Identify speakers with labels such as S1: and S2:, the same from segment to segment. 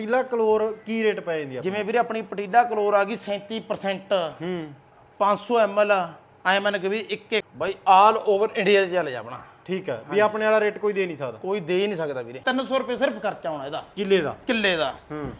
S1: ਪਟੀਲਾ ਕਲੋਰ ਕੀ rate ਪੈ ਜਾਂਦੀ ਆ?
S2: ਜਿਵੇਂ ਵੀਰੇ ਆਪਣੀ ਪਟੀਲਾ ਕਲੋਰ ਆ ਗਈ 37% 500 ml ਐ ਮੰਨ ਕੇ ਵੀ ਇੱਕ ਬਾਈ ਆਲ ਓਵਰ ਇੰਡੀਆ 'ਚ ਚੱਲ ਜਾ ਆਪਣਾ।
S1: ਠੀਕ ਹੈ ਵੀ ਆਪਣੇ ਵਾਲਾ ਰੇਟ ਕੋਈ ਦੇ ਨਹੀਂ ਸਕਦਾ।
S2: ਕੋਈ ਦੇ ਹੀ ਨਹੀਂ ਸਕਦਾ ਵੀਰੇ। 300 ਰੁਪਏ ਸਿਰਫ ਖਰਚਾ ਆਉਣਾ ਇਹਦਾ
S1: ਕਿੱਲੇ ਦਾ।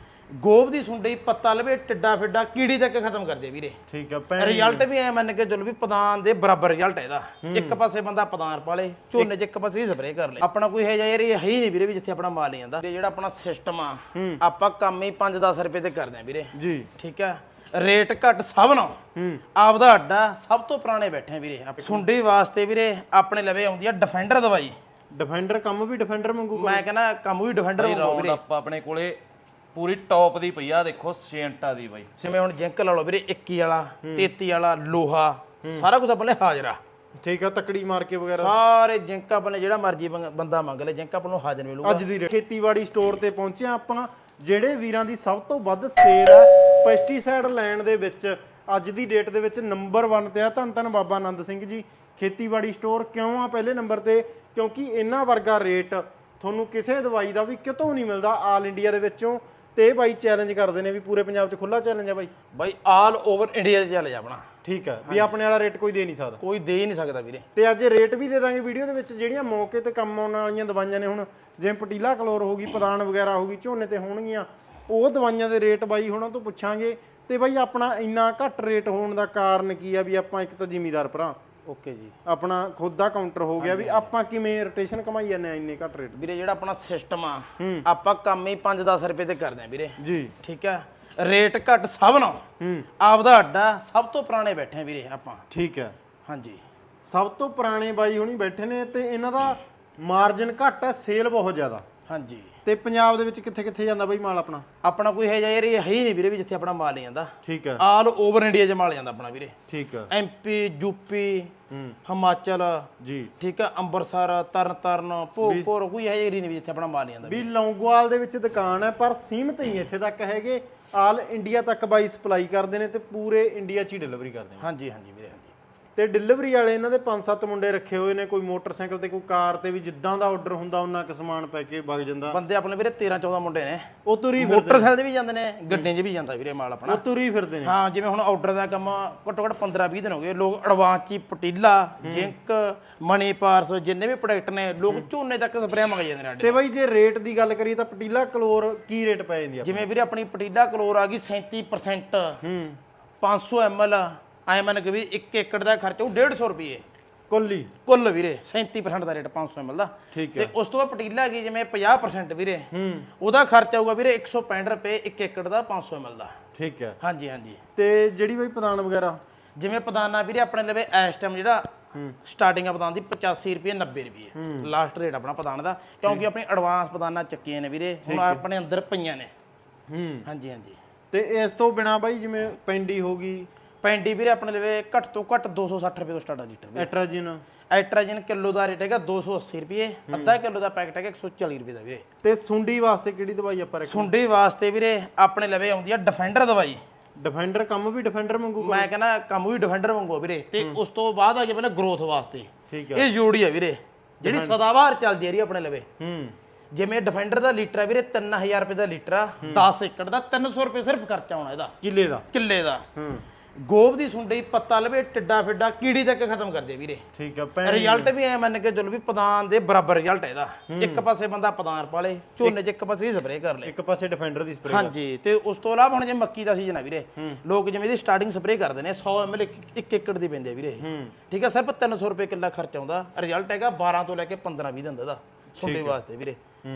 S2: ਗੋਬ ਦੀ ਸੁੰਡੀ ਪੱਤਾ ਲਵੇ ਟਿੱਡਾ ਫਿੱਡਾ ਕੀੜੀ ਤੱਕ ਖਤਮ ਕਰ ਦੇ ਵੀਰੇ।
S1: ਠੀਕ ਹੈ
S2: ਰਿਜ਼ਲਟ ਵੀ ਐ ਮੰਨ ਕੇ ਚਲੋ ਵੀ ਪਦਾਨ ਦੇ ਬਰਾਬਰ ਰਿਜ਼ਲਟ ਹੈ ਇਹਦਾ। ਇੱਕ ਪਾਸੇ ਬੰਦਾ ਪਦਾਨ ਪਾਲੇ ਝੋਨੇ 'ਚ ਇੱਕ ਪਾਸੇ ਸਪਰੇਅ ਕਰ ਲੇ। ਆਪਣਾ ਕੋਈ ਹੈ ਯਾਰ ਇਹ ਹੈ ਹੀ ਨਹੀਂ ਵੀਰੇ ਵੀ ਜਿੱਥੇ ਆਪਣਾ ਮਾਲ ਨਹੀਂ ਜਾਂਦਾ। ਜਿਹੜਾ ਆਪਣਾ ਸਿਸਟਮ ਆ ਆਪਾਂ ਕੰਮ ਹੀ 5-10 ਰੁਪਏ ਤੇ ਕਰਦੇ ਆ ਵੀਰੇ ਜੀ। ਠੀਕ ਹੈ ਰੇਟ ਘੱਟ ਸਭ ਨਾਲ ਆਪਦਾ ਅੱਡਾ ਸਭ ਤੋਂ ਪੁਰਾਣੇ ਬੈਠੇ ਆ ਵੀਰੇ। ਸੁੰਡੀ ਵਾਸਤੇ ਵੀਰੇ ਆਪਣੇ ਲਵੇ ਆਉਂਦੀ ਆ ਡਿਫੈਂਡਰ ਦਵਾਈ।
S1: ਡਿਫੈਂਡਰ ਕੰਮ ਵੀ ਡਿਫੈਂਡਰ ਵਾਂਗੂ
S2: ਮੈਂ ਕਹਿੰਦਾ ਕੰਮ ਵੀ ਡਿਫੈਂਡਰ ਵਾਂਗੂ ਵੀਰੇ।
S3: ਆਪਾਂ ਆਪਣੇ ਕੋਲੇ ਪੂਰੀ ਟੌਪ ਦੀ ਪਈ ਆ ਦੇਖੋ ਸੇਂਟਾ ਦੀ ਬਾਈ।
S2: ਜਿਵੇਂ ਹੁਣ ਜਿੰਕ ਲਾ ਲਓ ਵੀਰੇ 21 ਵਾਲਾ 33 ਵਾਲਾ ਲੋਹਾ ਸਾਰਾ ਕੁਝ ਆਪਣੇ ਹਾਜ਼ਰਾ।
S1: ਠੀਕ ਆ ਤਕੜੀ ਮਾਰ ਕੇ ਵਗੈਰਾ
S2: ਸਾਰੇ ਜਿੰਕ ਆਪਣੇ ਜਿਹੜਾ ਮਰਜੀ ਬੰਦਾ ਮੰਗ ਲੈ ਜਿੰਕ ਆਪਾਂ ਨੂੰ ਹਾਜ਼ਰ ਮਿਲੂਗਾ।
S1: ਅੱਜ ਦੀ ਖੇਤੀਬਾੜੀ ਸਟੋਰ ਤੇ ਪਹੁੰਚੇ ਆਪਾਂ। ਜਿਹੜੇ ਵੀਰਾਂ ਦੀ ਸਭ ਤੋਂ ਵੱਧ ਸੇਲ ਆ ਪੈਸਟੀਸਾਈਡ ਲੈਣ ਦੇ ਵਿੱਚ ਅੱਜ ਦੀ ਡੇਟ ਦੇ ਵਿੱਚ ਨੰਬਰ 1 ਤੇ ਆ ਧੰਨ ਧੰਨ ਬਾਬਾ ਆਨੰਦ ਸਿੰਘ ਜੀ ਖੇਤੀਬਾੜੀ ਸਟੋਰ। ਕਿਉਂ ਆ ਪਹਿਲੇ ਨੰਬਰ ਤੇ? ਕਿਉਂਕਿ ਇਹਨਾਂ ਵਰਗਾ ਰੇਟ ਤੁਹਾਨੂੰ ਕਿਸੇ ਦਵਾਈ ਦਾ ਵੀ ਕਿਤੋਂ ਨਹੀਂ ਮਿਲਦਾ ਆਲ ਇੰਡੀਆ ਦੇ ਵਿੱਚੋਂ। ਤੇ ਇਹ ਬਾਈ ਚੈਲੰਜ ਕਰਦੇ ਨੇ ਵੀ ਪੂਰੇ ਪੰਜਾਬ 'ਚ ਖੁੱਲਾ ਚੈਲੰਜ ਆ ਬਾਈ
S2: ਆਲ ਓਵਰ ਇੰਡੀਆ 'ਚ ਚੱਲ ਜਾ ਆਪਣਾ।
S1: ਠੀਕ ਹੈ ਵੀ ਆਪਣੇ ਵਾਲਾ ਰੇਟ ਕੋਈ ਦੇ ਨਹੀਂ ਸਕਦਾ।
S2: ਕੋਈ ਦੇ ਹੀ ਨਹੀਂ ਸਕਦਾ ਵੀਰੇ।
S1: ਤੇ ਅੱਜ ਰੇਟ ਵੀ ਦੇ ਦਾਂਗੇ ਵੀਡੀਓ ਦੇ ਵਿੱਚ। ਜਿਹੜੀਆਂ ਮੌਕੇ ਤੇ ਕੰਮ ਆਉਣ ਵਾਲੀਆਂ ਦਵਾਈਆਂ ਨੇ ਹੁਣ ਜਿਵੇਂ ਪਟੀਲਾ ਕਲੋਰ ਹੋ ਗਈ ਪਦਾਨ ਵਗੈਰਾ ਹੋ ਗਈ ਝੋਨੇ ਤੇ ਹੋਣਗੀਆਂ ਉਹ ਦਵਾਈਆਂ ਦੇ ਰੇਟ ਬਾਈ ਹੁਣਾਂ ਤੋਂ ਪੁੱਛਾਂਗੇ। ਤੇ ਬਾਈ ਆਪਣਾ ਇੰਨਾ ਘੱਟ ਰੇਟ ਹੋਣ ਦਾ ਕਾਰਨ ਕੀ ਆ? ਵੀ ਆਪਾਂ ਇੱਕ ਤਾਂ ਜ਼ਿਮੀਦਾਰ ਭਰਾ
S2: ਓਕੇ ਜੀ
S1: ਆਪਣਾ ਖੁਦ ਦਾ ਕਾਊਂਟਰ ਹੋ ਗਿਆ ਵੀ ਆਪਾਂ ਕਿਵੇਂ ਰੋਟੇਸ਼ਨ ਕਮਾਈ ਜਾਂਦੇ ਆ ਇੰਨੇ ਘੱਟ ਰੇਟ
S2: ਵੀਰੇ। ਜਿਹੜਾ ਆਪਣਾ ਸਿਸਟਮ ਆ ਆਪਾਂ ਕੰਮ ਹੀ 5-10 ਰੁਪਏ ਤੇ ਕਰਦੇ ਆ ਵੀਰੇ ਜੀ। ਠੀਕ ਹੈ ਰੇਟ ਘੱਟ ਸਭ ਨਾਲ ਆਪਦਾ ਅੱਡਾ ਸਭ ਤੋਂ ਪੁਰਾਣੇ ਬੈਠੇ ਆ ਵੀਰੇ ਆਪਾਂ।
S1: ਠੀਕ ਹੈ
S2: ਹਾਂਜੀ
S1: ਸਭ ਤੋਂ ਪੁਰਾਣੇ ਬਾਈ ਹੁਣੀ ਬੈਠੇ ਨੇ ਤੇ ਇਹਨਾਂ ਦਾ ਮਾਰਜਨ ਘੱਟ ਹੈ ਸੇਲ ਬਹੁਤ ਜ਼ਿਆਦਾ।
S2: ਹਾਂਜੀ
S1: ਤੇ ਪੰਜਾਬ ਦੇ ਵਿੱਚ ਕਿੱਥੇ ਕਿੱਥੇ ਜਾਂਦਾ ਬਾਈ ਮਾਲ ਆਪਣਾ?
S2: ਆਪਣਾ ਕੋਈ ਹੈ ਯਾਰ ਇਹ ਹੈ ਹੀ ਨਹੀਂ ਵੀਰੇ ਵੀ ਜਿੱਥੇ ਆਪਣਾ ਮਾਲ ਨਹੀਂ ਜਾਂਦਾ।
S1: ਠੀਕ ਹੈ
S2: ਆਲ ਓਵਰ ਇੰਡੀਆ 'ਚ ਮਾਲ ਜਾਂਦਾ ਆਪਣਾ ਵੀਰੇ।
S1: ਠੀਕ ਹੈ
S2: MP ਯੂਪੀ ਹਿਮਾਚਲ ਜੀ। ਠੀਕ ਹੈ ਅੰਮ੍ਰਿਤਸਰ ਤਰਨਤਾਰਨ ਭੋਗਪੁਰ ਕੋਈ ਹੈ ਹੀ ਨਹੀਂ ਜਿੱਥੇ ਆਪਣਾ ਮਾਲ ਨਹੀਂ ਜਾਂਦਾ।
S1: ਵੀ ਲੌਂਗੋਵਾਲ ਦੇ ਵਿੱਚ ਦੁਕਾਨ ਹੈ ਪਰ ਸੀਮਤ ਹੀ ਇੱਥੇ ਤੱਕ ਹੈਗੇ। ਆਲ ਇੰਡੀਆ ਤੱਕ ਬਾਈ ਸਪਲਾਈ ਕਰਦੇ ਨੇ ਤੇ ਪੂਰੇ ਇੰਡੀਆ 'ਚ ਹੀ ਡਿਲੀਵਰੀ ਕਰਦੇ ਨੇ।
S2: ਹਾਂਜੀ ਹਾਂਜੀ ਵੀਰੇ।
S1: ਤੇ ਡਿਲੀਵਰੀ ਵਾਲੇ ਇਹਨਾਂ ਦੇ 5-7 ਮੁੰਡੇ ਰੱਖੇ ਹੋਏ ਨੇ। ਕੋਈ ਮੋਟਰਸਾਈਕਲ ਤੇ ਕੋਈ ਕਾਰ ਤੇ ਵੀ ਜਿੱਦਾਂ ਦਾ ਆਰਡਰ ਹੁੰਦਾ ਉਹਨਾਂ ਕੁ ਸਮਾਨ ਪੈ ਕੇ ਵਗ ਜਾਂਦਾ।
S2: ਬੰਦੇ ਆਪਣੇ ਵੀਰੇ 13-14 ਮੁੰਡੇ ਨੇ।
S1: ਉਹ ਤੁਰੀ
S2: ਮੋਟਰਸਾਈਕਲ ਤੇ ਵੀ ਜਾਂਦੇ ਨੇ ਗੱਡੀਆਂ 'ਚ ਵੀ ਜਾਂਦਾ ਵੀਰੇ ਮਾਲ ਆਪਣਾ।
S1: ਉਹ ਤੁਰੀ ਫਿਰਦੇ ਨੇ।
S2: ਹਾਂ ਜਿਵੇਂ ਹੁਣ ਆਰਡਰ ਦਾ ਕੰਮ ਘੱਟੋ ਘੱਟ 15-20 ਦਿਨ ਹੋ ਗਏ। ਲੋਕ ਐਡਵਾਂਸ 'ਚ ਪਟੀਲਾ ਜਿੰਕ ਮਨੀ ਪਾਰਸ ਜਿੰਨੇ ਵੀ ਪ੍ਰੋਡਕਟ ਨੇ ਲੋਕ ਝੋਨੇ ਤੱਕ ਸਪਰੇਅ ਮੰਗ ਜਾਂਦੇ ਨੇ।
S1: ਤੇ ਬਾਈ ਜੇ ਰੇਟ ਦੀ ਗੱਲ ਕਰੀਏ ਤਾਂ ਪਟੀਲਾ ਕਲੋਰ ਕੀ ਰੇਟ ਪੈ ਜਾਂਦੀ ਆ?
S2: ਜਿਵੇਂ ਵੀਰੇ ਆਪਣੀ ਪਟੀਲਾ ਕਲੋਰ ਆ ਗਈ 37% 500 ml ਐ ਮੰਨ ਕੇ ਵੀ 1 ਏਕੜ ਦਾ ਖਰਚਾ ਉਹ 150 ਰੁਪਏ ਕੁੱਲ ਵੀਰੇ। 37% ਦਾ ਰੇਟ 500 ml ਦਾ। ਤੇ ਉਸ ਤੋਂ ਬਾਅਦ ਪਟੀਲਾ ਗਈ ਜਿਵੇਂ 50% ਵੀਰੇ ਉਹਦਾ ਖਰਚਾ ਆਊਗਾ ਵੀਰੇ 165 ਰੁਪਏ 1 ਏਕੜ ਦਾ 500 ml ਦਾ।
S1: ਠੀਕ ਹੈ
S2: ਹਾਂਜੀ ਹਾਂਜੀ।
S1: ਤੇ ਜਿਹੜੀ ਬਾਈ ਪਦਾਨ ਵਗੈਰਾ
S2: ਜਿਵੇਂ ਪਦਾਨਾ ਵੀਰੇ ਆਪਣੇ ਲਵੇ ਇਸ ਟਾਈਮ ਜਿਹੜਾ ਸਟਾਰਟਿੰਗ ਆ ਪਦਾਨ ਦੀ 85 ਰੁਪਏ 90 ਰੁਪਏ ਲਾਸਟ ਰੇਟ ਆਪਣਾ ਪਦਾਨ ਦਾ। ਕਿਉਂਕਿ ਆਪਣੀ ਐਡਵਾਂਸ ਪਦਾਨਾ ਚੱਕੀਆਂ ਨੇ ਵੀਰੇ ਹੁਣ ਆਪਣੇ ਅੰਦਰ ਪਈਆਂ ਨੇ। ਹਾਂਜੀ ਹਾਂਜੀ।
S1: ਤੇ ਇਸ ਤੋਂ ਬਿਨਾ ਬਾਈ ਜਿਵੇਂ ਪੈਂਡੀ ਹੋ ਗਈ
S2: ਪੈਂਡੀ ਵੀਰੇ ਆਪਣੇ ਲਵੇ ਘੱਟ ਤੋਂ ਘੱਟ 260 ਰੁਪਏ ਤੋਂ ਸਟਾਰਟ ਆ ਲੀਟਰ। ਐਟਰਾਜਿਨ ਕਿਲੋ ਦਾ ਰੇਟ ਹੈਗਾ 280 ਰੁਪਏ। ਅੱਧਾ ਕਿਲੋ ਦਾ ਪੈਕਟ ਹੈਗਾ 140 ਰੁਪਏ ਦਾ ਵੀਰੇ। ਤੇ
S1: ਸੁੰਡੀ ਵਾਸਤੇ ਕਿਹੜੀ ਦਵਾਈ ਆਪਾਂ ਰੱਖੀ?
S2: ਸੁੰਡੀ ਵਾਸਤੇ ਵੀਰੇ ਆਪਣੇ ਲਵੇ ਆਉਂਦੀ ਆ ਡਿਫੈਂਡਰ ਦਵਾਈ।
S1: ਡਿਫੈਂਡਰ ਕੰਮ ਵੀ ਡਿਫੈਂਡਰ ਵਾਂਗੂ?
S2: ਮੈਂ ਕਹਿੰਦਾ ਕੰਮ ਵੀ ਡਿਫੈਂਡਰ ਵਾਂਗੂ ਵੀਰੇ। ਤੇ ਉਸ ਤੋਂ ਬਾਅਦ ਆ ਗਿਆ ਪਹਿਲਾਂ ਗਰੋਥ ਵਾਸਤੇ। ਇਹ ਜੋੜੀ ਆ ਵੀਰੇ ਜਿਹੜੀ ਸਦਾਬਹਾਰ ਚੱਲਦੀ ਆ ਰਹੀ ਆਪਣੇ ਲਵੇ। ਜਿਵੇਂ ਡਿਫੈਂਡਰ ਦਾ ਲੀਟਰ ਆ ਵੀਰੇ 3000 ਰੁਪਏ ਦਾ ਲੀਟਰ ਆ 10 ਏਕੜ ਦਾ 300 ਰੁਪਏ ਸਿਰਫ ਖਰਚਾ ਆਉਣਾ ਇਹਦਾ ਕਿੱਲੇ ਦਾ। ਗੋਬ ਦੀ ਸੁੰਡੀ ਪੱਤਾ ਲਵੇ ਟਿੱਡਾ ਫਿੱਡਾ ਕੀੜੀ ਤੱਕ ਖਤਮ ਕਰ ਦੇ ਵੀਰੇ। ਠੀਕ ਹੈ ਰਿਜ਼ਲਟ ਵੀ ਐ ਮੰਨ ਕੇ ਚਲੋ ਵੀ ਪਦਾਨ ਦੇ ਬਰਾਬਰ ਰਿਜ਼ਲਟ ਹੈ ਇਹਦਾ। ਇੱਕ ਪਾਸੇ ਬੰਦਾ ਪਦਾਨ ਪਾਲੇ ਝੋਨੇ 'ਚ ਇੱਕ ਪਾਸੇ ਸਪਰੇਅ ਕਰ ਲੇ
S1: ਇੱਕ ਪਾਸੇ ਡਿਫੈਂਡਰ ਦੀ ਸਪਰੇਅ।
S2: ਹਾਂਜੀ ਤੇ ਉਸ ਤੋਂ ਇਲਾਵਾ ਹੁਣ ਜੇ ਮੱਕੀ ਦਾ ਸੀਜ਼ਨ ਆ ਵੀਰੇ ਲੋਕ ਜਿਵੇਂ ਇਹਦੀ ਸਟਾਰਟਿੰਗ ਸਪਰੇਅ ਕਰਦੇ ਨੇ 100 ml 1 ਏਕੜ ਦੀ ਪੈਂਦੇ ਆ ਵੀਰੇ। ਠੀਕ ਹੈ ਸਿਰਫ 300 ਰੁਪਏ ਕਿੱਲਾ ਖਰਚ ਆਉਂਦਾ। ਰਿਜ਼ਲਟ ਹੈਗਾ 12 ਤੋਂ ਲੈ ਕੇ 15-20 ਦਿਨ ਦਾ ਸੁੰਡੀ ਵਾਸਤੇ ਵੀਰੇ।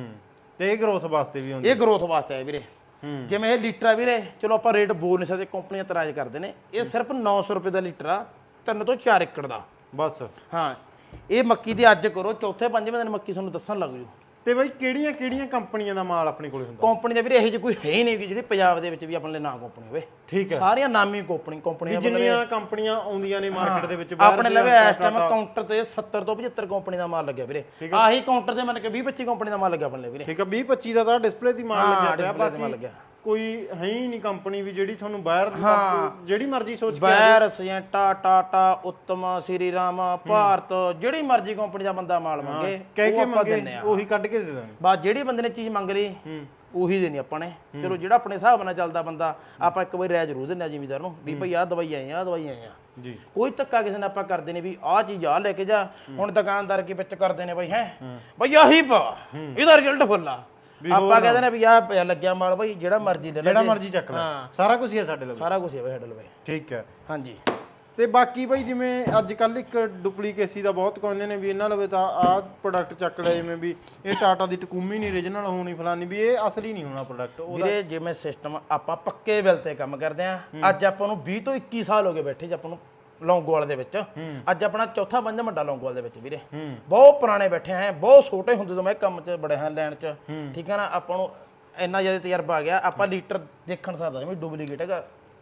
S1: ਤੇ ਇਹ ਗਰੋਥ ਵਾਸਤੇ ਵੀ ਹੁੰਦਾ?
S2: ਇਹ ਗਰੋਥ ਵਾਸਤੇ ਹੈ ਵੀਰੇ। ਜਿਵੇਂ ਇਹ ਲੀਟਰ ਆ ਵੀਰੇ ਚਲੋ ਆਪਾਂ ਰੇਟ ਬੋਲ ਨਹੀਂ ਸਕਦੇ ਕੰਪਨੀਆਂ ਇਤਰਾਜ਼ ਕਰਦੇ ਨੇ। ਇਹ ਸਿਰਫ 900 ਰੁਪਏ ਦਾ ਲੀਟਰ ਆ 3 ਤੋਂ 4 ਏਕੜ ਦਾ ਬਸ। ਹਾਂ ਇਹ ਮੱਕੀ ਦੀ ਅੱਜ ਕਰੋ ਚੌਥੇ ਪੰਜਵੇਂ ਦਿਨ ਮੱਕੀ ਤੁਹਾਨੂੰ ਦੱਸਣ ਲੱਗ ਜੂ।
S1: ਤੇ ਬਾਈ ਕਿਹੜੀਆਂ ਕਿਹੜੀਆਂ ਕੰਪਨੀਆਂ ਦਾ ਮਾਲ ਆਪਣੇ ਕੋਲੇ ਹੁੰਦਾ?
S2: ਕੰਪਨੀ ਦਾ ਵੀਰੇ ਇਹੋ ਜਿਹੀ ਕੋਈ ਹੈ ਹੀ ਨਹੀਂ ਜਿਹੜੀ ਪੰਜਾਬ ਦੇ ਵਿੱਚ ਵੀ ਆਪਣੇ ਲਈ ਨਾ ਕੰਪਨੀ ਹੋਵੇ।
S1: ਠੀਕ ਹੈ
S2: ਸਾਰੀਆਂ ਨਾਮੀ ਕੰਪਨੀਆਂ
S1: ਜਿੰਨੀਆਂ ਕੰਪਨੀਆਂ ਆਉਂਦੀਆਂ ਨੇ ਮਾਰਕੀਟ ਦੇ ਵਿੱਚ
S2: ਆਪਣੇ ਲਵੇ ਇਸ ਟਾਈਮ ਕਾਊਂਟਰ ਤੇ 70 ਤੋਂ 75 ਕੰਪਨੀ ਦਾ ਮਾਲ ਲੱਗਿਆ ਵੀਰੇ। ਆਹੀ ਕਾਊਂਟਰ ਤੇ ਮੰਨ ਕੇ 20-25 ਕੰਪਨੀ ਦਾ ਮਾਲ ਲੱਗਿਆ ਆਪਣੇ ਲਈ ਵੀਰੇ।
S1: ਠੀਕ ਹੈ 20-25 ਦਾ ਤਾਂ ਡਿਸਪਲੇ ਦੀ ਮਾਲ ਲੱਗਿਆ ਪਿਆ। ਬਾਕੀ ਕੋਈ ਹੈ ਹੀ ਨਹੀਂ ਕੰਪਨੀ ਵੀ ਜਿਹੜੀ ਤੁਹਾਨੂੰ ਬਾਹਰ ਜਿਹੜੀ ਮਰਜ਼ੀ ਸੋਚ ਕੇ
S2: ਬਾਹਰ ਸਜੈਂਟਾ ਟਾਟਾ ਉੱਤਮ ਸ੍ਰੀ ਰਾਮ ਭਾਰਤ ਜਿਹੜੀ ਮਰਜ਼ੀ ਕੰਪਨੀ ਦਾ ਬੰਦਾ ਮਾਲ ਮੰਗੇ
S1: ਕਹਿ ਕੇ ਮੰਗੇ ਉਹੀ ਕੱਢ ਕੇ ਦੇ ਦਾਂਗੇ।
S2: ਬਸ ਜਿਹੜੀ ਬੰਦੇ ਨੇ ਚੀਜ਼ ਮੰਗ ਲਈ ਉਹੀ ਦੇਣੀ ਆਪਾਂ ਨੇ। ਚਲੋ ਜਿਹੜਾ ਆਪਣੇ ਹਿਸਾਬ ਨਾਲ ਚੱਲਦਾ ਬੰਦਾ, ਆਪਾਂ ਇੱਕ ਵਾਰੀ ਰਾਇ ਜ਼ਰੂਰ ਦਿੰਦੇ ਆ ਜ਼ਿਮੀਦਾਰ ਨੂੰ ਵੀ ਭਾਈ ਆਹ ਦਵਾਈ ਆਏ ਆ, ਆਹ ਦਵਾਈ ਆਏ ਆ
S1: ਜੀ।
S2: ਕੋਈ ਧੱਕਾ ਕਿਸੇ ਨੇ ਆਪਾਂ ਕਰਦੇ ਨੇ ਵੀ ਆਹ ਚੀਜ਼ ਆ ਲੈ ਕੇ ਜਾ। ਹੁਣ ਦੁਕਾਨਦਾਰ ਕੀ ਵਿੱਚ ਕਰਦੇ ਨੇ ਬਾਈ, ਹੈ ਬਈ ਆਹੀ ਪਾ, ਇਹਦਾ ਰਿਜ਼ਲਟ ਫੁੱਲ ਆ। ਆਪਾਂ ਕਹਿੰਦੇ ਨੇ ਵੀ ਆਹ ਪਿਆ ਲੱਗਿਆ ਮਾਲ ਬਾਈ, ਜਿਹੜਾ ਮਰਜ਼ੀ ਲੈ ਲੈ,
S1: ਜਿਹੜਾ ਮਰਜ਼ੀ ਚੱਕ ਲੈ, ਸਾਰਾ ਕੁਝ ਹੀ ਹੈ ਸਾਡੇ ਲਵੇ।
S2: ਸਾਰਾ ਕੁਝ ਹੈ ਬਾਈ ਸਾਡੇ ਲਵੇ।
S1: ਠੀਕ ਹੈ।
S2: ਹਾਂਜੀ।
S1: ਤੇ ਬਾਕੀ ਬਾਈ ਜਿਵੇਂ ਅੱਜ ਕੱਲ ਇੱਕ ਡੁਪਲੀਕੇਸੀ ਦਾ ਬਹੁਤ ਕਹਿੰਦੇ ਨੇ ਵੀ ਇਹਨਾਂ ਲਵੇ ਤਾਂ ਆਹ ਪ੍ਰੋਡਕਟ ਚੱਕ ਲਿਆ, ਜਿਵੇਂ ਵੀ ਇਹ ਟਾਟਾ ਦੀ ਟਕੂਮੀ ਨਹੀਂ ਓਰੀਜਨਲ ਹੋਣੀ ਫਲਾਨੀ, ਵੀ ਇਹ ਅਸਲੀ ਨਹੀਂ ਹੋਣਾ ਪ੍ਰੋਡਕਟ ਉਹਦਾ।
S2: ਵੀਰੇ ਜਿਵੇਂ ਸਿਸਟਮ ਆਪਾਂ ਪੱਕੇ ਬਿੱਲ ਤੇ ਕੰਮ ਕਰਦੇ ਆ, ਅੱਜ ਆਪਾਂ ਨੂੰ 20 ਤੋਂ 21 ਸਾਲ ਹੋ ਗਏ ਬੈਠੇ ਜੇ ਆਪਾਂ ਨੂੰ ਲੌਂਗੋਵਾਲ ਦੇ ਵਿੱਚ। ਅੱਜ ਆਪਣਾ ਚੌਥਾ ਪੰਜਵਾਂ ਵੱਡਾ ਲੌਂਗੋਵਾਲ ਦੇ ਵਿੱਚ ਵੀਰੇ। ਬਹੁਤ ਪੁਰਾਣੇ ਬੈਠੇ ਆ, ਬਹੁਤ ਛੋਟੇ ਹੁੰਦੇ ਤੋਂ ਮੈਂ ਕੰਮ 'ਚ ਬੜੇ ਹਾਂ ਲੈਣ 'ਚ। ਠੀਕ ਹੈ ਨਾ, ਆਪਾਂ ਨੂੰ ਇੰਨਾ ਜ਼ਿਆਦਾ ਤਜਰਬਾ ਆ ਗਿਆ, ਆਪਾਂ ਲੀਟਰ ਦੇਖਣ ਸਕਦਾ ਵੀ ਡੁਪਲੀਕੇਟ ਹੈਗਾ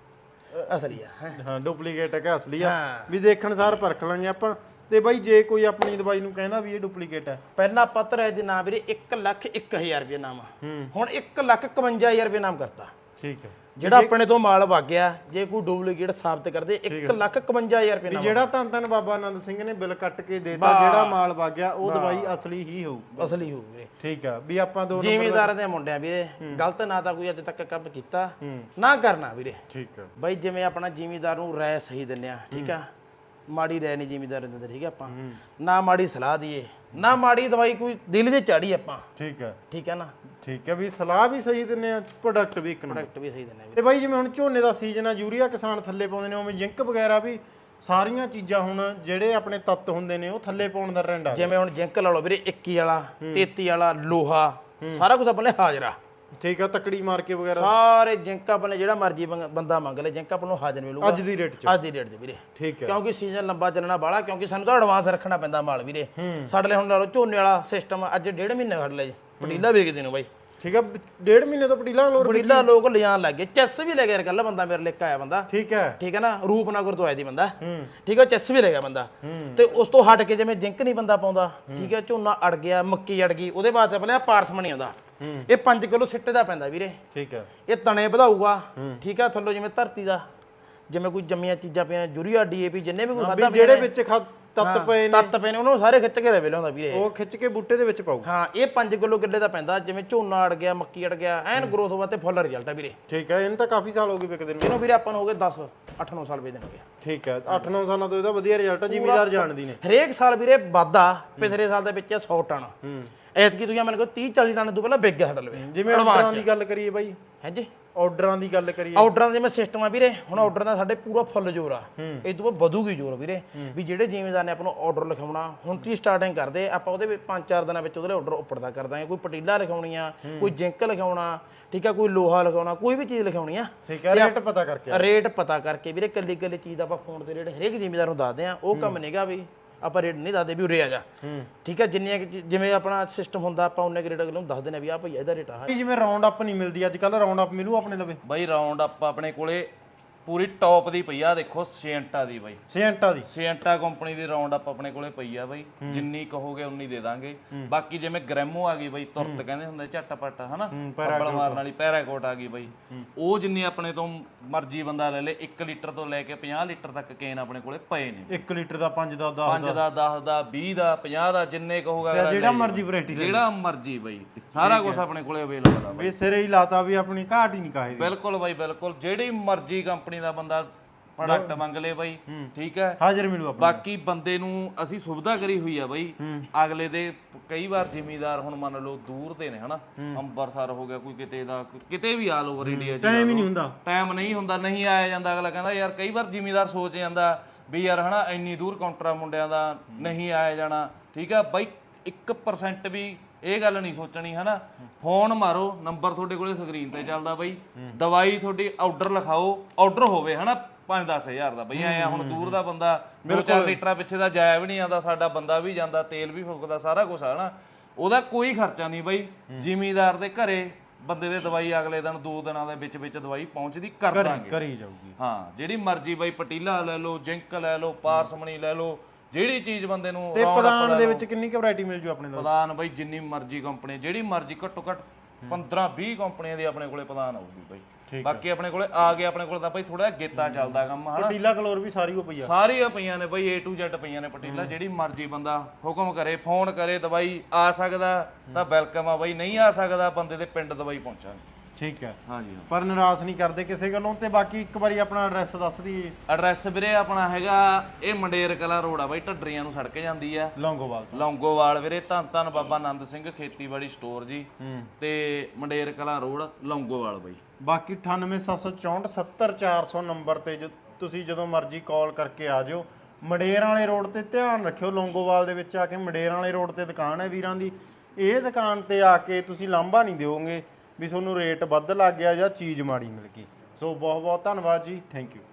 S2: ਅਸਲੀ ਆ।
S1: ਹਾਂ ਡੁਪਲੀਕੇਟ ਹੈ ਅਸਲੀ ਆ, ਵੀ ਦੇਖਣ ਸਾਰ ਪਰਖ ਲਾਂਗੇ ਆਪਾਂ। ਤੇ ਬਾਈ ਜੇ ਕੋਈ ਆਪਣੀ ਦਵਾਈ ਨੂੰ ਕਹਿੰਦਾ ਵੀ ਇਹ ਡੁਪਲੀਕੇਟ ਹੈ,
S2: ਪਹਿਲਾਂ ਆਪਾਂ ਧਰਿਆ ਦੇ ਨਾਮ ਵੀਰੇ 1,01,000 ਰੁਪਏ ਨਾਮ, ਹੁਣ 1,51,000 ਰੁਪਏ ਨਾਮ ਕਰਤਾ।
S1: ਠੀਕ ਹੈ।
S2: ਜਿਹੜਾ ਆਪਣੇ ਤੋਂ ਮਾਲ ਵਗ ਗਿਆ, ਜੇ ਕੋਈ ਡੁਪਲੀਕੇਟ ਸਾਬਤ ਕਰਦੇ 1,51,000 ਰੁਪਏ
S1: ਵੀ
S2: ਨਾਮ।
S1: ਜਿਹੜਾ ਧੰਨ ਧੰਨ ਬਾਬਾ ਆਨੰਦ ਸਿੰਘ ਨੇ ਬਿੱਲ ਕੱਟ ਕੇ ਦੇਤਾ, ਜਿਹੜਾ ਮਾਲ ਵਗ ਗਿਆ ਉਹ ਦਵਾਈ ਅਸਲੀ ਹੀ ਹੋਊ।
S2: ਅਸਲੀ ਹੋਊ ਵੀਰੇ।
S1: ਠੀਕ ਆ। ਵੀ ਆਪਾਂ ਦੋ
S2: ਜ਼ਿਮੀਦਾਰਾਂ ਦੇ ਮੁੰਡਿਆਂ ਵੀਰੇ ਗਲਤ ਨਾ ਤਾਂ ਕੋਈ ਅੱਜ ਤੱਕ ਕੰਮ ਕੀਤਾ, ਨਾ ਕਰਨਾ ਵੀਰੇ।
S1: ਠੀਕ ਆ।
S2: ਬਾਈ ਜਿਵੇਂ ਆਪਣਾ ਜ਼ਿਮੀਦਾਰ ਨੂੰ ਰਾਏ ਸਹੀ ਦਿੰਦੇ ਆ, ਠੀਕ ਆ, ਮਾੜੀ ਰਾਏ ਨਹੀਂ ਜ਼ਿਮੀਦਾਰ ਦਿੰਦੇ, ਠੀਕ ਆ, ਆਪਾਂ ਨਾ ਮਾੜੀ ਸਲਾਹ ਦਈਏ, ਨਾ ਮਾੜੀ ਦਵਾਈ ਕੋਈ ਦਿਲ ਦੇ ਚਾੜੀ ਆਪਾਂ।
S1: ਠੀਕ ਹੈ।
S2: ਠੀਕ ਹੈ ਨਾ।
S1: ਠੀਕ ਹੈ, ਵੀ ਸਲਾਹ ਵੀ ਸਹੀ ਦਿੰਨੇ ਆ, ਪ੍ਰੋਡਕਟ ਵੀ ਇੱਕ ਨੰਬਰ।
S2: ਪ੍ਰੋਡਕਟ ਵੀ ਸਹੀ ਦਿੰਦੇ ਆ।
S1: ਤੇ ਬਾਈ ਜਿਵੇਂ ਹੁਣ ਝੋਨੇ ਦਾ ਸੀਜ਼ਨ ਆ, ਯੂਰੀਆ ਕਿਸਾਨ ਥੱਲੇ ਪਾਉਂਦੇ ਨੇ, ਉਵੇਂ ਜ਼ਿੰਕ ਵਗੈਰਾ ਵੀ ਸਾਰੀਆਂ ਚੀਜ਼ਾਂ ਹੁਣ ਜਿਹੜੇ ਆਪਣੇ ਤੱਤ ਹੁੰਦੇ ਨੇ ਉਹ ਥੱਲੇ ਪਾਉਣ ਦਾ ਟ੍ਰੈਂਡ ਆ।
S2: ਜਿਵੇਂ ਹੁਣ ਜ਼ਿੰਕ ਲਾ ਲਓ ਵੀਰੇ, 21 ਵਾਲਾ, 33 ਵਾਲਾ, ਲੋਹਾ, ਸਾਰਾ ਕੁਝ ਆਪਣੇ ਹਾਜ਼ਰਾ।
S1: ਠੀਕ ਆ। ਤਕੜੀ ਮਾਰ ਕੇ ਵਗੈਰਾ
S2: ਸਾਰੇ ਜ਼ਿੰਕ ਆਪਣੇ ਜਿਹੜਾ ਮਰਜ਼ੀ ਬੰਦਾ ਮੰਗ ਲੈ, ਜ਼ਿੰਕ ਆਪਾਂ ਨੂੰ ਹਾਜ਼ਰ ਮਿਲੂਗਾ
S1: ਅੱਜ ਦੀ ਰੇਟ 'ਚ।
S2: ਅੱਜ ਦੀ ਰੇਟ 'ਚ ਵੀਰੇ।
S1: ਠੀਕ ਹੈ।
S2: ਕਿਉਂਕਿ ਸੀਜ਼ਨ ਲੰਬਾ ਚੱਲਣਾ ਬਾਹਲਾ, ਕਿਉਂਕਿ ਸਾਨੂੰ ਤਾਂ ਐਡਵਾਂਸ ਰੱਖਣਾ ਪੈਂਦਾ ਮਾਲ ਵੀਰੇ। ਸਾਡੇ ਲਈ ਹੁਣ ਲਾ ਲਓ ਝੋਨੇ ਵਾਲਾ ਸਿਸਟਮ, ਅੱਜ 1.5 ਮਹੀਨੇ ਸਾਡੇ ਲਈ ਪਟੀਲਾ ਵੇਚਦੇ ਨੂੰ ਬਾਈ।
S1: ਠੀਕ ਆ। 1.5 ਮਹੀਨੇ ਤੋਂ ਪਟੀਲਾ
S2: ਪਟੀਲਾ ਲੋਕ ਲਿਜਾਣ ਲੱਗ ਗਏ। ਚੈਸ ਵੀ ਲੈ ਗਿਆ ਯਾਰ, ਕੱਲ ਬੰਦਾ ਮੇਰੇ ਲਈ ਆਇਆ ਬੰਦਾ।
S1: ਠੀਕ ਹੈ।
S2: ਠੀਕ ਹੈ ਨਾ, ਰੂਪਨਗਰ ਤੋਂ ਆਇਆ ਦੀ ਬੰਦਾ। ਠੀਕ ਹੈ, ਚੈਸ ਵੀ ਲੈ ਗਿਆ ਬੰਦਾ। ਤੇ ਉਸ ਤੋਂ ਹਟ ਕੇ ਜਿਵੇਂ ਜ਼ਿੰਕ ਨਹੀਂ ਬੰਦਾ ਪਾਉਂਦਾ, ਠੀਕ ਹੈ, ਝੋਨਾ ਅੜ ਗਿਆ, ਮੱਕੀ ਅੜ ਗਈ, ਉਹਦੇ ਬਾਅਦ ਆਪਣੇ ਪਾਰਸਮ ਨਹੀਂ ਆਉਂਦਾ। ਇਹ 5 ਕਿਲੋ ਸਿੱਟੇ ਦਾ ਪੈਂਦਾ ਵੀਰੇ।
S1: ਠੀਕ ਹੈ।
S2: ਇਹ ਤਣੇ ਵਧਾਊਗਾ। ਠੀਕ ਹੈ, ਥੱਲੋਂ ਜਿਵੇਂ ਧਰਤੀ ਦਾ ਜਿਵੇਂ ਕੋਈ ਜੰਮੀਆਂ ਚੀਜ਼ਾਂ ਪਈਆਂ, ਯੂਰੀਆ, ਡੀਏਪੀ, ਜਿੰਨੇ ਵੀ ਕੋਈ ਖਾਦਾ
S1: ਜਿਹੜੇ ਵਿੱਚ ਤੱਤ ਪਏ
S2: ਨੇ ਉਹਨੂੰ ਸਾਰੇ ਖਿੱਚ ਕੇ ਲੈ ਲਿਆਉਂਦਾ ਵੀਰੇ।
S1: ਉਹ ਖਿੱਚ ਕੇ ਬੂਟੇ ਦੇ ਵਿੱਚ ਪਾਉ।
S2: ਹਾਂ, ਇਹ 5 ਕਿਲੋ ਕਿੱਲੇ ਦਾ ਪੈਂਦਾ। ਜਿਵੇਂ ਝੋਨਾ ਅੜ ਗਿਆ, ਮੱਕੀ ਅੜ ਗਿਆ, ਐਨ ਗਰੋਥ ਹੋਵਾ ਤੇ ਫੁੱਲ ਰਿਜ਼ਲਟ ਆ ਵੀਰੇ।
S1: ਠੀਕ ਹੈ। ਇਹਨੂੰ ਤਾਂ ਕਾਫੀ ਸਾਲ ਹੋ ਗਏ ਵਿਕਦੇ ਨੂੰ।
S2: ਇਹਨੂੰ ਵੀਰੇ ਆਪਾਂ ਨੂੰ ਹੋ ਗਏ 8-9 ਸਾਲ ਵੇਚਦੇ ਨੇ।
S1: ਠੀਕ ਹੈ। 8-9 ਸਾਲਾਂ ਤੋਂ ਇਹਦਾ ਵਧੀਆ ਰਿਜ਼ਲਟ ਆ, ਜ਼ਿਮੀਦਾਰ ਜਾਣਦੀ ਨੇ।
S2: ਹਰੇਕ ਸਾਲ ਵੀਰੇ ਵਾਧਾ। ਪਿਛਲੇ ਸਾਲ ਦੇ ਵਿੱਚ 100 ਟਨ, ਐਤਕੀ ਤੁਸੀਂ ਮੈਨੂੰ ਕਹੋ 30-40 ਟਨ ਤੋਂ ਪਹਿਲਾਂ ਵਿਕ ਗਿਆ ਸਾਡਾ ਲਵੇ।
S1: ਜਿਵੇਂ ਆਰਡਰਾਂ ਦੀ ਗੱਲ ਕਰੀਏ ਬਾਈ,
S2: ਹੈ ਜੀ,
S1: ਆਰਡਰਾਂ ਦੀ ਗੱਲ ਕਰੀਏ,
S2: ਆਰਡਰਾਂ ਦਾ ਜਿਵੇਂ ਸਿਸਟਮ ਆ ਵੀਰੇ, ਹੁਣ ਆਰਡਰ ਦਾ ਸਾਡੇ ਪੂਰਾ ਫੁੱਲ ਜ਼ੋਰ ਆ। ਇਹ ਤੋਂ ਬਾਅਦ ਵਧੂਗੀ ਜ਼ੋਰ ਵੀਰੇ। ਵੀ ਜਿਹੜੇ ਜ਼ਿਮੀਦਾਰ ਨੇ ਆਪਾਂ ਨੂੰ ਆਰਡਰ ਲਿਖਾਉਣਾ, ਹੁਣ ਤੁਸੀਂ ਸਟਾਰਟਿੰਗ ਕਰਦੇ, ਆਪਾਂ ਉਹਦੇ ਵਿੱਚ 5-4 ਦਿਨਾਂ ਵਿੱਚ ਉਹਦੇ ਆਰਡਰ ਉੱਪਰਦਾ ਕਰ ਦਾਂਗੇ। ਕੋਈ ਪਟੀਲਾ ਲਿਖਾਉਣੀ ਆ, ਕੋਈ ਜ਼ਿੰਕ ਲਿਖਾਉਣਾ, ਠੀਕ ਆ, ਕੋਈ ਲੋਹਾ ਲਿਖਾਉਣਾ, ਕੋਈ ਵੀ ਚੀਜ਼ ਲਿਖਾਉਣੀ ਆ।
S1: ਠੀਕ ਹੈ। ਰੇਟ ਪਤਾ ਕਰਕੇ,
S2: ਰੇਟ ਪਤਾ ਕਰਕੇ ਵੀਰੇ, ਕੱਲੀ ਚੀਜ਼ ਦਾ ਆਪਾਂ ਫੋਨ ਤੇ ਰੇਟ ਹਰੇਕ ਜ਼ਿਮੀਦਾਰ ਨੂੰ ਦੱਸਦੇ ਆ। ਉਹ ਕੰਮ ਨਹੀਂਗਾ ਵੀ ਆਪਾਂ ਰੇਟ ਨਹੀਂ ਦੱਸਦੇ ਵੀ ਉਰੇ ਆ ਜਾ। ਠੀਕ ਹੈ, ਜਿੰਨੀਆਂ ਜਿਵੇਂ ਆਪਣਾ ਸਿਸਟਮ ਹੁੰਦਾ, ਆਪਾਂ ਉਹਨੇ ਰੇਟ ਅਗਲੇ ਨੂੰ ਦੱਸ ਦਿੰਦੇ ਆ ਵੀ ਆ ਭਈ ਇਹਦਾ ਰੇਟ ਆ।
S1: ਜਿਵੇਂ ਰਾਉਂਡ ਅਪ ਨਹੀਂ ਮਿਲਦੀ ਅੱਜ ਕੱਲ, ਰਾਉਂਡ ਅਪ ਮਿਲੂ ਆਪਣੇ ਲਵੇ
S3: ਬਾਈ? ਰਾਉਂਡ ਅਪ ਆਪਣੇ ਕੋਲੇ ਪੂਰੀ ਟੌਪ ਦੀ ਪਈ ਆ, ਦੇਖੋ ਸਿਐਂਟਾ ਦੀ ਬਾਈ। ਸਿਐਂਟਾ ਕੰਪਨੀ ਦੀ ਰਾਉਂਡ ਅਪ ਆਪਣੇ ਕੋਲੇ ਪਈ ਆ ਬਾਈ। ਜਿੰਨੀ ਕਹੋਗੇ ਉਨੀ ਦੇ ਦਾਂਗੇ। ਬਾਕੀ ਜਿਵੇਂ ਗ੍ਰੈਮੋ ਆ ਗਈ ਬਾਈ, ਤੁਰਤ ਕਹਿੰਦੇ ਹੁੰਦੇ ਝਟਪਟ, ਹਨਾ, ਪੱਬਲ ਮਾਰਨ ਵਾਲੀ ਪੈਰਾਕੋਟ ਆ ਗਈ ਬਾਈ। ਉਹ ਜਿੰਨੀ ਆਪਣੇ ਤੋਂ ਮਰਜ਼ੀ ਬੰਦਾ ਲੈ ਲੇ, 1 ਲੀਟਰ ਤੋਂ ਲੈ ਕੇ 50 ਲੀਟਰ ਤੱਕ ਕੇਨ ਆਪਣੇ ਕੋਲੇ ਪਏ ਨੇ।
S1: 1 ਲੀਟਰ ਦਾ 5 ਦਾ 10
S3: 5 ਦਾ 10 ਦਾ 20 ਦਾ 50 ਦਾ, ਜਿੰਨੇ ਕਹੋਗਾ
S1: ਜਿਹੜਾ ਮਰਜ਼ੀ ਵੈਰਾਈਟੀ,
S3: ਜਿਹੜਾ ਮਰਜ਼ੀ ਬਾਈ, ਸਾਰਾ ਕੁਝ ਆਪਣੇ ਕੋਲੇ ਅਵੇਲੇਬਲ ਆ ਬਾਈ।
S1: ਵੀ ਸਿਰੇ ਹੀ ਲਾਤਾ ਵੀ ਆਪਣੀ ਘਾਟ ਹੀ ਨਹੀਂ ਕਾਹੇ ਦੀ।
S3: ਬਿਲਕੁਲ ਬਾਈ, ਬਿਲਕੁਲ। ਜਿਹੜੀ ਮਰਜ਼ੀ ਕੰਪਨੀ ਦਾ ਬੰਦਾ ਪ੍ਰੋਡਕਟ ਮੰਗ ਲੇ ਬਾਈ, ਠੀਕ ਹੈ,
S1: ਹਾਜ਼ਰ ਮਿਲੂ ਆਪਾਂ।
S3: ਬਾਕੀ ਬੰਦੇ ਨੂੰ ਅਸੀਂ ਸੁਵਿਧਾ ਕਰੀ ਹੋਈ ਆ ਬਾਈ। ਅਗਲੇ ਦੇ ਕਈ ਵਾਰ ਜ਼ਿਮੀਦਾਰ ਹੁਣ ਮੰਨ ਲਓ ਦੂਰ ਦੇ ਨੇ, ਹਨਾ, ਅੰਮ੍ਰਿਤਸਰ ਹੋ ਗਿਆ, ਕੋਈ ਕਿਤੇ ਦਾ, ਕਿਤੇ ਵੀ ਆਲ ਓਵਰ ਇੰਡੀਆ ਚ
S1: ਟਾਈਮ ਹੀ ਨਹੀਂ ਹੁੰਦਾ,
S3: ਟਾਈਮ ਨਹੀਂ ਹੁੰਦਾ, ਨਹੀਂ ਆਇਆ ਜਾਂਦਾ। ਅਗਲਾ ਕਹਿੰਦਾ ਯਾਰ, ਕਈ ਵਾਰ ਜ਼ਿਮੀਦਾਰ ਸੋਚ ਜਾਂਦਾ ਵੀ ਯਾਰ, ਹਨਾ, ਇੰਨੀ ਦੂਰ ਕਾਊਂਟਰਾਂ ਮੁੰਡਿਆਂ ਦਾ ਨਹੀਂ ਆਇਆ ਜਾਣਾ। ਠੀਕ ਆ ਬਾਈ, 1% ਵੀ ਇਹ ਗੱਲ ਨਹੀਂ ਸੋਚਣੀ, ਹਨਾ। ਫੋਨ ਮਾਰੋ, ਨੰਬਰ ਤੁਹਾਡੇ ਕੋਲੇ ਸਕਰੀਨ ਤੇ ਚੱਲਦਾ ਬਾਈ। ਦਵਾਈ ਤੁਹਾਡੀ ਆਰਡਰ ਲਿਖਾਓ, ਆਰਡਰ ਹੋਵੇ, ਹਨਾ, 5-10 ਹਜ਼ਾਰ ਦਾ ਬਈ। ਆਇਆ ਹੁਣ ਦੂਰ ਦਾ ਬੰਦਾ 2-4 ਲੀਟਰਾਂ ਪਿੱਛੇ ਦਾ ਜਾਇਆ ਵੀ ਨਹੀਂ ਆਉਂਦਾ, ਸਾਡਾ ਬੰਦਾ ਵੀ ਜਾਂਦਾ, ਤੇਲ ਵੀ ਫੁੱਕਦਾ, ਸਾਰਾ ਕੁਝ ਆ, ਹਨਾ। ਉਹਦਾ ਕੋਈ ਖਰਚਾ ਨਹੀਂ ਬਾਈ। ਜ਼ਿਮੀਦਾਰ ਦੇ ਘਰੇ ਬੰਦੇ ਦੇ ਦਵਾਈ ਅਗਲੇ ਦਿਨ 2 ਦਿਨਾਂ ਦੇ ਵਿੱਚ ਦਵਾਈ ਪਹੁੰਚਦੀ ਕਰ ਦਾਂਗੇ,
S1: ਕਰੀ ਜਾਊਗੀ।
S3: ਹਾਂ, ਜਿਹੜੀ ਮਰਜ਼ੀ ਬਾਈ, ਪਟੀਲਾ ਲੈ ਲਓ, ਜ਼ਿੰਕ ਲੈ ਲਓ, ਪਾਰਸਮਣੀ ਲੈ ਲਓ, ਜਿਹੜੀ ਚੀਜ਼ ਬੰਦੇ ਨੂੰ।
S1: ਤੇ ਪਦਾਨ ਦੇ ਵਿੱਚ ਕਿੰਨੀ ਕੁ ਵੈਰਾਈਟੀ ਮਿਲ ਜੂ ਆਪਣੇ ਨਾਲ?
S3: ਪਦਾਨ ਬਾਈ ਜਿੰਨੀ ਮਰਜ਼ੀ ਕੰਪਨੀ, ਜਿਹੜੀ ਮਰਜ਼ੀ, ਘੱਟੋ ਘੱਟ 15 20 ਕੰਪਨੀਆਂ ਦੀ ਆਪਣੇ ਕੋਲੇ ਪ੍ਰਦਾਨ ਆਊਗੀ ਬਾਈ। ਬਾਕੀ ਆਪਣੇ ਕੋਲੇ ਆ ਗਿਆ, ਆਪਣੇ ਕੋਲ ਤਾਂ ਬਾਈ ਥੋੜਾ ਗੇਤਾ ਚੱਲਦਾ ਕੰਮ ਹਨਾ।
S1: ਪਟੀਲਾ ਕਲੋਰ ਵੀ ਸਾਰੀ ਉਹ ਪਈ ਆ,
S3: ਸਾਰੀਆਂ ਪਈਆਂ ਨੇ ਬਾਈ A to Z ਪਈਆਂ ਨੇ ਪਟੀਲਾ। ਜਿਹੜੀ ਮਰਜ਼ੀ ਬੰਦਾ ਹੁਕਮ ਕਰੇ, ਫੋਨ ਕਰੇ, ਦਵਾਈ ਆ ਸਕਦਾ ਤਾਂ ਵੈਲਕਮ ਆ ਬਾਈ, ਨਹੀਂ ਆ ਸਕਦਾ ਬੰਦੇ ਦੇ ਪਿੰਡ ਦਵਾਈ ਪਹੁੰਚਾਂਗੇ।
S1: ਠੀਕ ਹੈ
S3: ਹਾਂਜੀ
S1: ਪਰ ਨਿਰਾਸ਼ ਨਹੀਂ ਕਰਦੇ ਕਿਸੇ ਗੱਲੋਂ। ਤੇ ਬਾਕੀ ਇੱਕ ਵਾਰੀ ਆਪਣਾ ਐਡਰੈਸ ਦੱਸ ਦਈਏ।
S3: ਐਡਰੈਸ ਵੀਰੇ ਆਪਣਾ ਹੈਗਾ ਇਹ ਮੰਡੇਰ ਕਲਾ ਰੋਡ ਆ ਬਾਈ, ਢੱਡਰੀਆਂ ਨੂੰ ਸੜਕ ਜਾਂਦੀ ਆ
S1: ਲੌਂਗੋਵਾਲ ਤੋਂ।
S3: ਲੌਂਗੋਵਾਲ ਵੀਰੇ, ਧੰਨ ਧੰਨ ਬਾਬਾ ਆਨੰਦ ਸਿੰਘ ਖੇਤੀਬਾੜੀ ਸਟੋਰ ਜੀ, ਤੇ ਮੰਡੇਰ ਕਲਾ ਰੋਡ ਲੌਂਗੋਵਾਲ ਬਾਈ।
S1: ਬਾਕੀ 9874470400 ਨੰਬਰ ਤੇ ਤੁਸੀਂ ਜਦੋਂ ਮਰਜ਼ੀ ਕਾਲ ਕਰਕੇ ਆ ਜਾਓ। ਮੰਡੇਰ ਵਾਲੇ ਰੋਡ ਤੇ ਧਿਆਨ ਰੱਖਿਓ, ਲੌਂਗੋਵਾਲ ਦੇ ਵਿੱਚ ਆ ਕੇ ਮੰਡੇਰ ਵਾਲੇ ਰੋਡ ਤੇ ਦੁਕਾਨ ਹੈ ਵੀਰਾਂ ਦੀ। ਇਹ ਦੁਕਾਨ ਤੇ ਆ ਕੇ ਤੁਸੀਂ ਲਾਂਭਾ ਨਹੀਂ ਦਿਓਗੇ ਵੀ ਤੁਹਾਨੂੰ ਰੇਟ ਵੱਧ ਲੱਗ ਗਿਆ ਜਾਂ ਚੀਜ਼ ਮਾੜੀ ਮਿਲ ਗਈ। ਸੋ ਬਹੁਤ ਬਹੁਤ ਧੰਨਵਾਦ ਜੀ, ਥੈਂਕ ਯੂ।